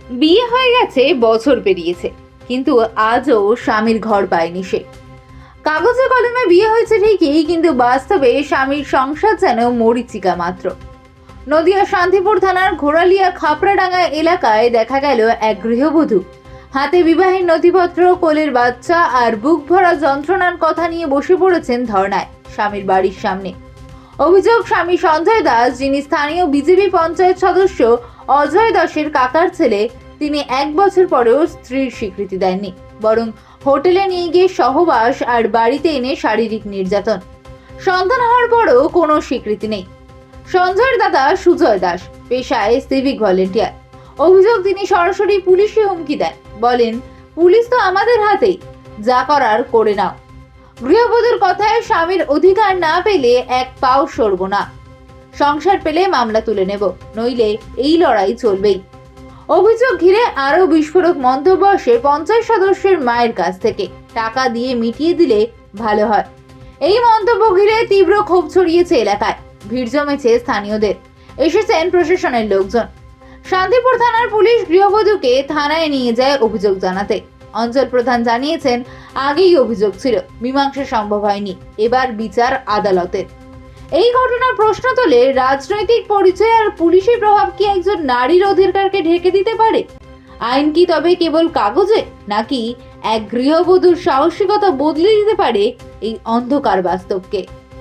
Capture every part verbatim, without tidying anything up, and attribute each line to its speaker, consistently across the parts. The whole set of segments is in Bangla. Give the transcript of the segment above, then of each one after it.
Speaker 1: বিয়ে হয়ে গেছে, বছর পেরিয়েছে, কিন্তু আজও স্বামীর ঘর পায়নি সে। কাগজে কলমে বিয়ে হয়েছে ঠিকই, কিন্তু বাস্তবে স্বামীর সংসার যেন মরীচিকা মাত্র। নদিয়া শান্তিপুর থানার ঘোড়ালিয়া খাপড়াডাঙ্গা এলাকায় দেখা গেল এক গৃহবধূ হাতে বিবাহের নথিপত্র, কোলের বাচ্চা আর বুক ভরা যন্ত্রণার কথা নিয়ে বসে পড়েছেন ধর্নায় স্বামীর বাড়ির সামনে। অভিযোগ, স্বামী সঞ্জয় দাস, যিনি স্থানীয় বিজেপি পঞ্চায়েত সদস্য অজয় দাসের কাকার ছেলে, তিনি এক বছর পরেও স্ত্রীর স্বীকৃতি দেননি, বরং হোটেলে নিয়ে গিয়ে সহবাস আর বাড়িতে এনে শারীরিক নির্যাতন। সন্তান হওয়ার পরও কোনো স্বীকৃতি নেই। সঞ্জয়ের দাদা সুজয় দাস পেশায় সিভিক ভলেন্টিয়ার। অভিযোগ, তিনি সরাসরি পুলিশে হুমকি দেন, বলেন, পুলিশ তো আমাদের হাতেই, যা করার করে নাও। গৃহবধূর কথায় স্বামীর অধিকার না পেলে এক পাও সরব না, সংসার পেলে মামলা তুলে নেব, নইলে এই লড়াই চলবেই। অভিযোগ ঘিরে আরো বিস্ফোরক মন্তব্য আসে পঞ্চায়েত সদস্যের মায়ের কাছ থেকে, টাকা দিয়ে মিটিয়ে দিলে ভালো হয়। এই মন্তব্য ঘিরে তীব্র ক্ষোভ ছড়িয়েছে এলাকায়, ভিড় জমেছে স্থানীয়দের, এসেছেন প্রশাসনের লোকজন। শান্তিপুর থানার পুলিশ গৃহবধূকে থানায় নিয়ে যায় অভিযোগ জানাতে। অঞ্চল প্রধান জানিয়েছেন, আগেই অভিযোগ ছিল, মীমাংসা সম্ভব হয়নি, এবার বিচার আদালতের। এই ঘটনার প্রশ্ন তোলে, রাজনৈতিক পরিচয় আর পুলিশি প্রভাব কি একজন নারীর অধিকারকে ঢেকে দিতে পারে? আইন কি তবে কেবল কাগজে, নাকি এক গৃহবধূর সাহসিকতা বদলে দিতে পারে এই অন্ধকার বাস্তবকে?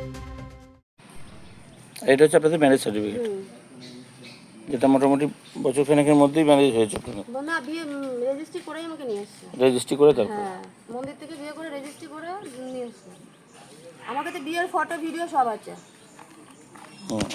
Speaker 2: এটা হচ্ছে আপনাদের ম্যারেজ সার্টিফিকেট, যেটা মোটামুটি বছর খানেকের মধ্যেই ম্যারেজ হয়েছে।
Speaker 3: না, বিয়ে রেজিস্ট্রি করেই আমাকে নিয়ে এসছে।
Speaker 2: রেজিস্ট্রি করে তারপর?
Speaker 3: হ্যাঁ, মন্দির থেকে বিয়ে করে রেজিস্ট্রি করে নিয়ে এসছে। আমার কাছে বিয়ের ফটো ভিডিও সব আছে।
Speaker 2: হুম।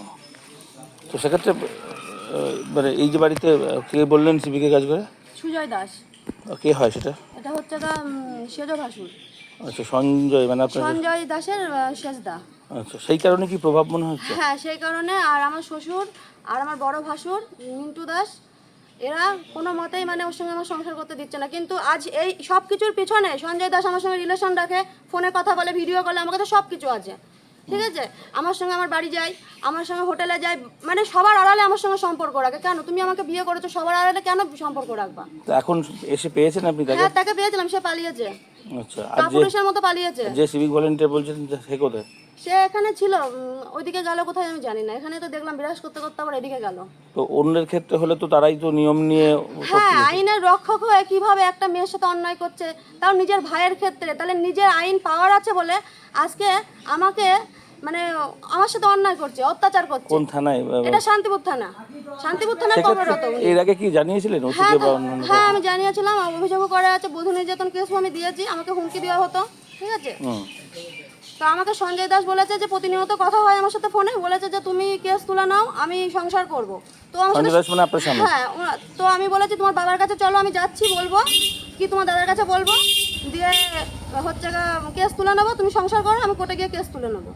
Speaker 2: তো সেক্ষেত্রে মানে এই যে বাড়িতে কে বললেন সিভিকে কাজ করে?
Speaker 3: সুজয় দাস।
Speaker 2: কে হয় সেটা?
Speaker 3: এটা হচ্ছে গা সেজ ভাসুর।
Speaker 2: আচ্ছা, সঞ্জয় মানে আপনার?
Speaker 3: সঞ্জয় দাসের শেষদা।
Speaker 2: আচ্ছা, সেই কারণে কি প্রভাব মনে হচ্ছে?
Speaker 3: হ্যাঁ, সেই কারণে। আর আমার শ্বশুর আর আমার বড় ভাসুর মিন্টু দাস, এরা কোনো মতেই মানে ওর সঙ্গে আমার সংসার করতে দিচ্ছে না। কিন্তু আজ এই সব কিছুর পিছনে সঞ্জয় দাস আমার সঙ্গে রিলেশন রাখে, ফোনে কথা বলে, ভিডিও কলে, আমার কাছে সব কিছু আছে, ঠিক আছে। আমার সঙ্গে আমার বাড়ি যায়, আমার সঙ্গে হোটেলে যায়, মানে সবার আড়ালে আমার সঙ্গে সম্পর্ক রাখে। কেন তুমি আমাকে বিয়ে করেছো, সবার আড়ালে কেন সম্পর্ক রাখবা?
Speaker 2: তো এখন এসে পেয়েছেন আপনি তাকে?
Speaker 3: হ্যাঁ, তাকে পেয়েছিলাম, সে পালিয়েছে।
Speaker 2: আচ্ছা, আর যে
Speaker 3: কাপুরুষের মতো পালিয়েছে।
Speaker 2: যে সিভিক ভলেন্টিয়ার বলছেন সে কোথায়?
Speaker 3: সে এখানে ছিল, ওইদিকে গেল কোথায় আমি জানি না। এখানে তো দেখলাম বিরাজ করতে করতে আবার এদিকে গেল।
Speaker 2: তো অন্যের ক্ষেত্রে হলে তো তারাই তো নিয়ম নিয়ে।
Speaker 3: হ্যাঁ, আইনের রক্ষক হয়ে কিভাবে একটা মেয়ের সাথে অন্যায় করছে, তাও নিজের ভাইয়ের ক্ষেত্রে। তাহলে নিজের আইন পাওয়ার আছে বলে আজকে আমাকে মানে আমার সাথে অন্যায় করছে, অত্যাচার করছে।
Speaker 2: কোন থানায়?
Speaker 3: এটা শান্তিপুর থানা। শান্তিপুর থানার কর্মরত।
Speaker 2: এর আগে কি জানিয়েছিলেন ওসিকে
Speaker 3: হ্যাঁ,
Speaker 2: বা অন্যান্য?
Speaker 3: হ্যাঁ, আমি জানিয়েছিলাম, অভিযোগ করা আছে, বধূ নির্যাতন কেসও আমি দিয়েছি, আমাকে হুমকি দেওয়া হতো, ঠিক আছে।
Speaker 2: হুম।
Speaker 3: তো আমাকে সঞ্জয় দাস বলেছে যে প্রতিনিয়ত কথা হয় আমার সাথে ফোনে, বলেছে যে তুমি কেস তুলে নাও, আমি সংসার করব। তো আমার
Speaker 2: সঞ্জয় দাস মানে আপনার স্বামী?
Speaker 3: হ্যাঁ, তো আমি বলেছি তোমার বাবার কাছে চলো, আমি যাচ্ছি, বলবো কি তোমার দাদার কাছে বলবো, দিয়ে হচ্ছে কেস তুলে নেবো, তুমি সংসার করো, আমি কোর্টে গিয়ে কেস তুলে নেবো।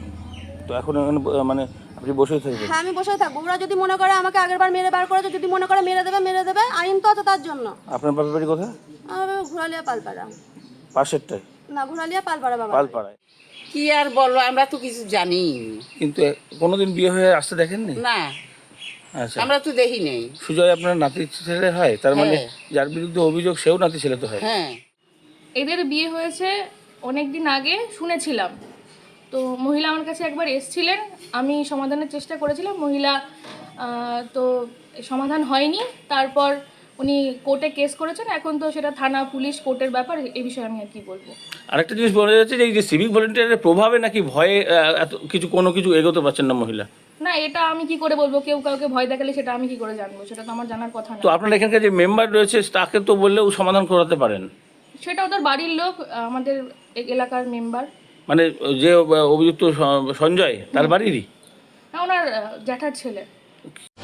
Speaker 2: তো এখন মানে আপনি বসেই থাকবেন?
Speaker 3: হ্যাঁ, আমি বসেই থাকবো। ওরা যদি মনে করে আমাকে আগের বার মেরে বার করেছে, যদি মনে করে মেরে দেবে মেরে দেবে, আইন তো আছে তার জন্য।
Speaker 2: আপনার বাবার বাড়ি কোথায়?
Speaker 3: আমার ঘোড়ালিয়া পালপাড়া।
Speaker 2: পাশেরটাই?
Speaker 3: না, ঘোড়ালিয়া পালপাড়া বাবা।
Speaker 2: পালপাড়ায়।
Speaker 4: কি আর বলবো, আমরা তো কিছু জানি
Speaker 2: কিন্তু কোনোদিন বিয়ে হয়ে আসতে দেখেননি?
Speaker 4: না,
Speaker 2: আচ্ছা,
Speaker 4: আমরা তো দেখি নেই।
Speaker 2: সুজয় আপনার নাতি ছেলে হয়, তার মানে
Speaker 4: হ্যাঁ।
Speaker 2: যার বিরুদ্ধে অভিযোগ সেও নাতি ছেলে তো হয়?
Speaker 4: হ্যাঁ,
Speaker 5: এদের বিয়ে হয়েছে অনেক দিন আগে শুনেছিলাম। তো মহিলা আমার কাছে একবার এসছিলেন, আমি সমাধানের চেষ্টা করেছিলাম, মহিলা আহ, তো সমাধান হয়নি। তারপর উনি কোর্টে কেস করেছেন, এখন তো সেটা থানা পুলিশ কোর্টের ব্যাপার, এই বিষয়ে আমি আর কি বলবো।
Speaker 2: আরেকটা জিনিস বলা যাচ্ছে যে এই যে সিভিক ভলেন্টিয়ারের প্রভাবে নাকি ভয়ে আহ, এত কিছু কোনো কিছু এগোতে পারছেন না মহিলা।
Speaker 5: না, এটা আমি কি করে বলবো? কেউ কাউকে ভয় দেখালে সেটা আমি কি করে জানবো? সেটা তো আমার জানার কথা না।
Speaker 2: তো আপনার এখানকার যে মেম্বার রয়েছে তাকে তো বললেও সমাধান করাতে পারেন।
Speaker 5: সেটা ওদের বাড়ির লোক, আমাদের এ- এলাকার মেম্বার।
Speaker 2: মানে যে অভিযুক্ত সঞ্জয়, তার বাড়িরই?
Speaker 5: না, ওনার আহ, জ্যাঠার ছেলে।